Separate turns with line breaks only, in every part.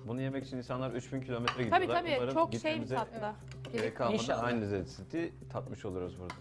Bunu yemek için insanlar 3000 kilometre gidiyorlar.
Tabii tabii
Umarım
çok şey bir
gitmemize
tatlı.
gerek kalmadan
İnşallah.
aynı lezzeti tatmış oluruz burada.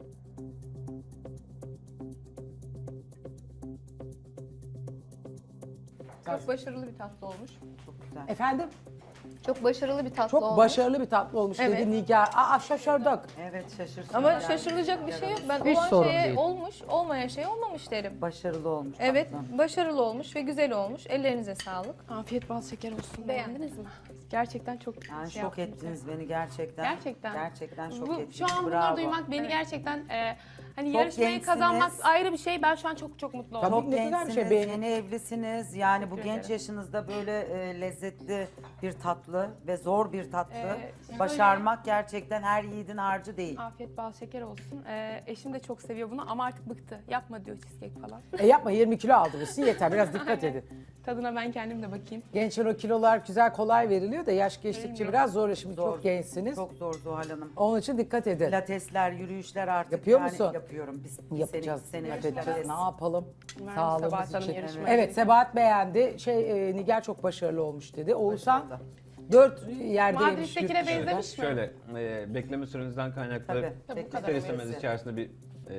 Çok başarılı bir tatlı olmuş.
Efendim?
Çok başarılı bir tatlı
Çok
olmuş.
başarılı bir tatlı olmuş
Evet.
dedi Nigar. Aa şaşırdık.
Evet şaşırsın.
Ama
yani.
şaşırılacak bir şey yok. Ben
Hiç
olan
sorun
şeye
değil.
olmuş, olmayan şey olmamış derim.
Başarılı olmuş.
Evet,
tatlım.
başarılı olmuş ve güzel olmuş. Ellerinize sağlık.
Afiyet bal şeker olsun.
Beğendiniz mi?
Gerçekten çok
Yani
şey
şok
yaptınız.
ettiniz beni gerçekten.
Gerçekten.
Gerçekten şok
Bu,
ettiniz.
şu an bunları
Bravo.
duymak beni gerçekten hani
Çok
yarışmayı
gençsiniz.
kazanmak ayrı bir şey. Ben şu an çok mutlu oldum.
Tabii.
Çok
Ne güzel bir
gençsiniz,
şey, beğenin.
yeni evlisiniz. Yani bu
Teşekkür
genç
ederim.
yaşınızda böyle lezzetli bir tatlı ve zor bir tatlı
şöyle-
başarmak gerçekten her yiğidin harcı değil.
Afiyet bal şeker olsun. Eşim de çok seviyor bunu ama artık bıktı. Yapma diyor cheesecake falan.
Yapma 20 kilo aldırırsın yeter biraz dikkat edin.
Tadına ben kendim de bakayım.
Gençler o kilolar güzel kolay veriliyor da yaş geçtikçe
Bilmiyorum.
biraz zor. Şimdi
Zor.
çok gençsiniz.
Çok zor Zuhal Hanım.
Onun için dikkat edin.
Pilatesler, yürüyüşler artık
Yapıyor
yani
musun?
yapıyorum. Biz
Yapacağız.
sene
Dikkat edeceğiz.
pilates.
Ne yapalım?
Umarım
Sağlığımız
Sabahat Hanım
için.
yarışmaya
Evet
gelir.
Sebahat beğendi. Nigar çok başarılı olmuş dedi. Oğuzhan
Başarılı.
4 yerde yemiş.
Madrid'dekine
yurt dışında.
benzemiş mi?
Şöyle bekleme sürenizden kaynaklı
Tabii.
Tabii, bu kadar
ister istemez
öylesi.
içerisinde bir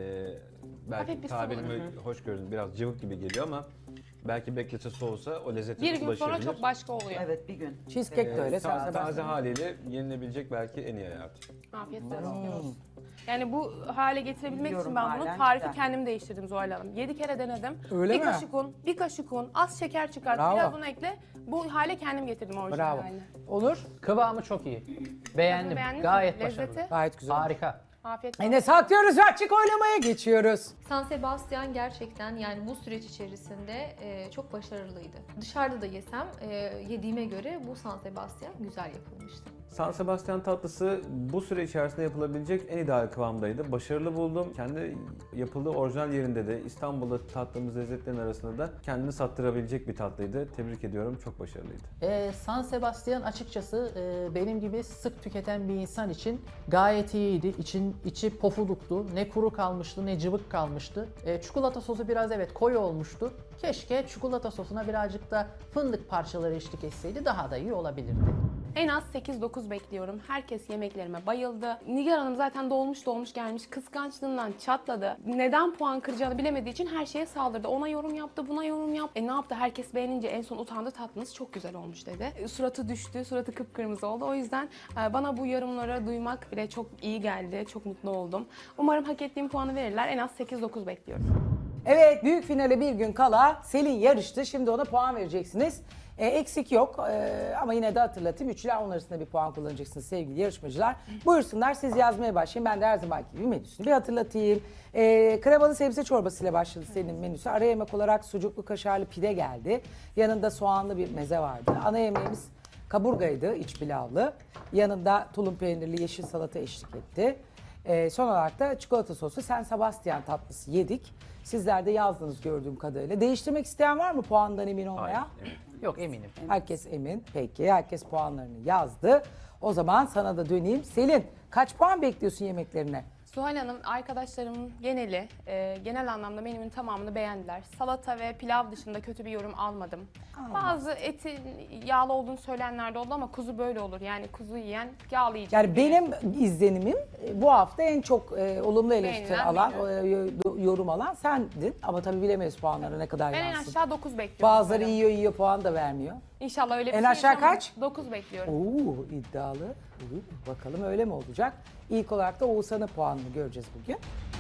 Hafif
belki
bir
tabirimi hoş gördüm biraz cıvık gibi geliyor ama belki beklese soğusa o lezzete
Bir gün sonra
ulaşabilir.
çok başka oluyor.
Evet bir gün.
Cheesecake de öyle. Sen
Taze
Sebahat.
haliyle yenilebilecek belki en iyi hayat.
Afiyet olsun. Yani bu hale getirebilmek
Biliyorum
için ben bunu
halen
tarifi
güzel.
kendim değiştirdim Zuhal Hanım. 7 kere denedim.
Öyle
bir
mi?
kaşık un, bir kaşık un, az şeker çıkart,
Bravo.
biraz un ekle. Bu hale kendim getirdim orijinal
Bravo.
haline.
Onur
Kıvamı çok iyi. Beğendim.
Beğendiniz mi?
Gayet
Lezzeti?
başarılı.
gayet güzel.
Harika.
Afiyet olsun.
Yine saklıyoruz ve açık oylamaya geçiyoruz.
San Sebastian gerçekten yani bu süreç içerisinde çok başarılıydı. Dışarıda da yesem yediğime göre bu San Sebastian güzel yapılmıştı.
San Sebastian tatlısı bu süre içerisinde yapılabilecek en ideal kıvamdaydı. Başarılı buldum. Kendi yapıldığı orijinal yerinde de İstanbul'da tattığımız lezzetlerin arasında da kendini sattırabilecek bir tatlıydı. Tebrik ediyorum. Çok başarılıydı.
San Sebastian açıkçası benim gibi sık tüketen bir insan için gayet iyiydi. İçi pofuduktu. Ne kuru kalmıştı ne cıvık kalmıştı. Çikolata sosu biraz evet koyu olmuştu. Keşke çikolata sosuna birazcık da fındık parçaları eşlik etseydi daha da iyi olabilirdi.
En az 8-9 bekliyorum. Herkes yemeklerime bayıldı. Nigar Hanım zaten dolmuş gelmiş. Kıskançlığından çatladı. Neden puan kıracağını bilemediği için her şeye saldırdı. Ona yorum yaptı, buna yorum yaptı. Ne yaptı? Herkes beğenince en son utandı, tatlınız çok güzel olmuş dedi. Suratı düştü, suratı kıpkırmızı oldu. O yüzden bana bu yorumları duymak bile çok iyi geldi. Çok mutlu oldum. Umarım hak ettiğim puanı verirler. En az 8-9 bekliyorum.
Evet büyük finale bir gün kala Selin yarıştı. Şimdi ona puan vereceksiniz. Eksik yok ama yine de hatırlatayım. 3 ile 10 arasında bir puan kullanacaksınız sevgili yarışmacılar. Buyursunlar siz yazmaya başlayın. Ben de her zamanki gibi menüsünü bir hatırlatayım. Kremalı sebze çorbası ile başladı Selin'in menüsü. Ara yemek olarak sucuklu kaşarlı pide geldi. Yanında soğanlı bir meze vardı. Ana yemeğimiz kaburgaydı, iç pilavlı. Yanında tulum peynirli yeşil salata eşlik etti. Son olarak da çikolata soslu San Sebastian tatlısı yedik. Sizler de yazdınız gördüğüm kadarıyla. Değiştirmek isteyen var mı puandan emin olmaya?
Hayır.
Yok eminim.
Herkes emin. Peki herkes puanlarını yazdı. O zaman sana da döneyim. Selin kaç puan bekliyorsun yemeklerine?
Zuhal Hanım, arkadaşlarımın geneli, genel anlamda menümün tamamını beğendiler. Salata ve pilav dışında kötü bir yorum almadım. Bazı etin yağlı olduğunu söyleyenler de oldu ama kuzu böyle olur. Yani kuzu yiyen yağlı yiyecek.
Yani benim izlenimim bu hafta en çok olumlu eleştiri
Beğenilen
alan, yorum alan sendin. Ama tabii bilemeyiz puanları ne kadar
Ben en
yansın.
aşağı 9 bekliyorum.
Bazıları
Zuhal Hanım.
yiyor puan da vermiyor.
İnşallah öyle bir
En
şey
aşağı
yaşamam.
kaç?
9 bekliyorum.
Oo iddialı. Bakalım öyle mi olacak? İlk olarak da Oğuzhan'ın puanını göreceğiz bugün.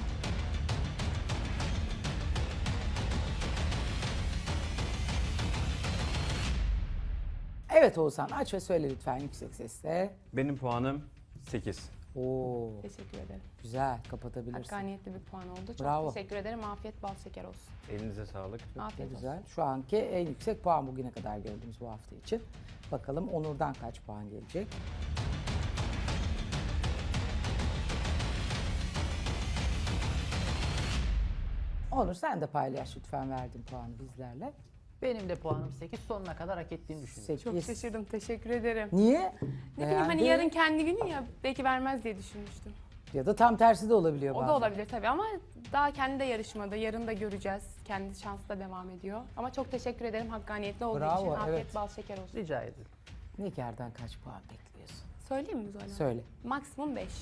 Evet Oğuzhan aç ve söyle lütfen yüksek sesle.
Benim puanım 8.
Oo
Teşekkür ederim.
güzel kapatabilirsin.
Hakkaniyetli bir puan oldu. Çok
Bravo.
teşekkür ederim. Afiyet bal şeker olsun.
Elinize sağlık.
Afiyet olsun.
Güzel. Şu anki en yüksek puan bugüne kadar gördüğümüz bu hafta için. Bakalım Onur'dan kaç puan gelecek? Onur sen de paylaş lütfen verdiğin puanı bizlerle.
Benim de puanım 8. Sonuna kadar hak ettiğini düşünüyorum.
8.
Çok şaşırdım. Teşekkür ederim.
Niye?
Ne bileyim hani
Beğendin.
yarın kendi günü ya belki vermez diye düşünmüştüm.
Ya da tam tersi de olabiliyor
O
bazen.
da olabilir tabii ama daha kendi de yarışmada. Yarın da göreceğiz. Kendi şansı da devam ediyor. Ama çok teşekkür ederim hakkaniyetli olduğu
Bravo,
için. Afiyet
evet.
bal şeker olsun.
Rica ederim.
Nigar'dan kaç puan bekliyorsun?
Söyleyeyim mi Zoyla?
Söyle.
Maksimum 5.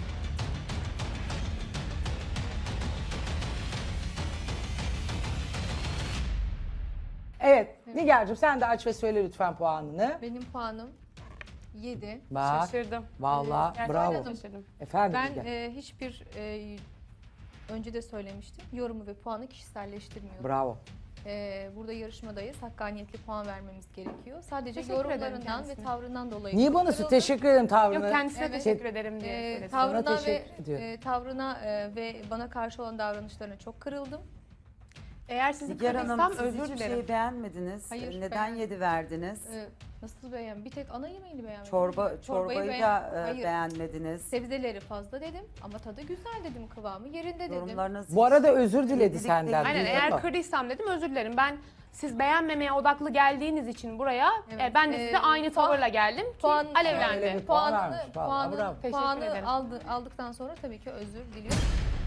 Evet Nigar'cığım sen de aç ve söyle lütfen puanını.
Benim puanım 7.
Bak
Şaşırdım.
vallahi
Gerçekten
bravo.
şaşırdım.
Efendim
Ben
Nigar.
hiçbir önce de söylemiştim. Yorumu ve puanı kişiselleştirmiyorum.
Bravo.
Burada yarışmadayız. Hakkaniyetli puan vermemiz gerekiyor. Sadece
Teşekkür ederim
yorumlarından ve
kendisine.
tavrından dolayı.
Niye bana
kırıldım.
teşekkür ederim tavrını?
Yok kendisine
Evet.
teşekkür ederim diye söyledim.
Tavrına ve
teşekkür ediyorum.
tavrına ve bana karşı olan davranışlarına çok kırıldım.
Eğer sizi
Nigar
kırdıysam
Hanım siz
özür
hiçbir
dilerim.
şeyi beğenmediniz.
Hayır,
Neden
beğenmedim.
7 verdiniz?
Nasıl beğen? Bir tek ana yemeğini beğenmedim.
Çorbayı da
Hayır.
beğenmediniz.
Sebzeleri fazla dedim ama tadı güzel dedim, kıvamı yerinde dedim.
Yorumlarınız
Bu arada özür diledi
Dedik
senden.
Aynen
duydun
eğer
mu?
kırdıysam dedim özür dilerim. Ben siz beğenmemeye odaklı geldiğiniz için buraya
Evet.
ben de size aynı
puan-
tavırla geldim ki
puan-
Öyle
alevlendi.
bir puan
Puanını,
vermiş, vallahi bravo.
Teşekkür
puanı
ederim.
aldıktan sonra tabii ki özür diliyorum.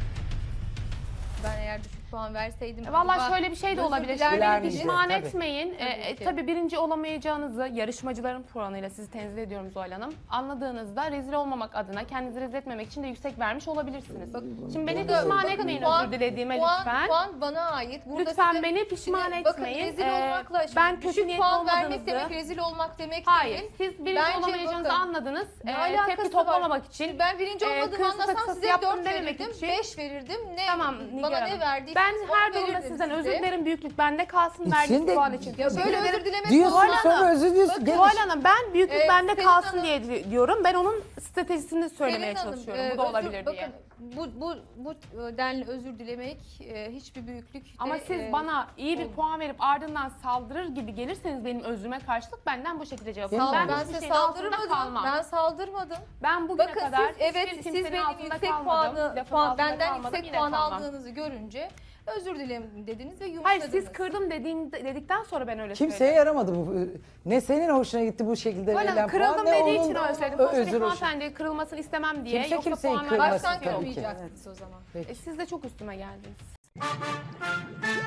Ben eğer düşük puan verseydim...
Vallahi
acaba
şöyle bir şey de
özür
olabilir.
diler
Beni
miydiniz?
pişman
Tabii.
etmeyin.
Tabii ki.
Tabii birinci olamayacağınızı yarışmacıların puanıyla sizi tenzih ediyorum Zuhal Hanım. Anladığınızda rezil olmamak adına kendinizi rezil etmemek için de yüksek vermiş olabilirsiniz. Şimdi beni
Burada-
pişman
bakın
etmeyin
puan-
özür dilediğime
puan,
lütfen.
Puan bana ait. Burada
Lütfen
size-
beni pişman
Şimdi bakın,
etmeyin.
rezil olmakla,
Ben
şimdi
kötü
düşük
niyetli
puan vermek
olmadığınızı...
demek rezil olmak demek
Hayır,
değil.
siz birinci
Bence
olamayacağınızı
bakın,
anladınız.
Ne alakası
Tepki
var?
toplamamak için.
Şimdi ben birinci olmadığımı
kırmızı
anlasam
takısı
size
yaptım
4
dememek
verirdim,
için.
5 verirdim. Ne
Tamam Nigar
bana
Hanım.
ne verdiyseniz
Ben her
onu
durumda
verirdim
sizden
size.
özür dilerim. Büyüklük bende kalsın
İçinde-
verdiğiniz puan için.
Ya böyle özür dilemek
Diyorsun
Zuhal
sonra
Hanım.
özür diliyorsun. Gel
Zuhal Hanım ben büyüklük bende
Selin
kalsın
Hanım-
diye diyorum. Ben onun stratejisini söylemeye
Selin Hanım,
çalışıyorum. Bu da
özür-
olabilir diye.
Bakın bu denli özür dilemek hiçbir büyüklük
Ama
de,
siz bana iyi bir
oldu.
puan verip ardından saldırır gibi gelirseniz benim özrüme karşılık benden bu şekilde cevap
Değil mi?
alın.
ben
hiçbir
size
şeyin altında
saldırmadım.
kalmam.
Ben saldırmadım.
Ben bugüne
Bakın
kadar
siz evet
hiçbir
siz
kimsenin
benim
altında
yüksek
kalmadım.
puanı
Lafın altında
benden
kalmadım,
yüksek
yine
puan
kalmam.
aldığınızı görünce özür dilerim dediniz ve
Hayır
yumuşadınız.
siz kırdım dedikten sonra ben öyle
Kimseye
söyledim.
yaramadı bu. Ne senin hoşuna gitti bu şekilde
Böyle
verilen puan
kırıldım
ne
dediği
onun
için öyle söyledim.
özür
Sonuçta bir
hoşuna.
hanımefendi kırılmasını istemem diye.
Kimse
Yoksa
kimseyi
puan
kırmasın
vermek
Baştan
tabii ki.
kırmayacaktınız o zaman.
Siz de çok üstüme geldiniz.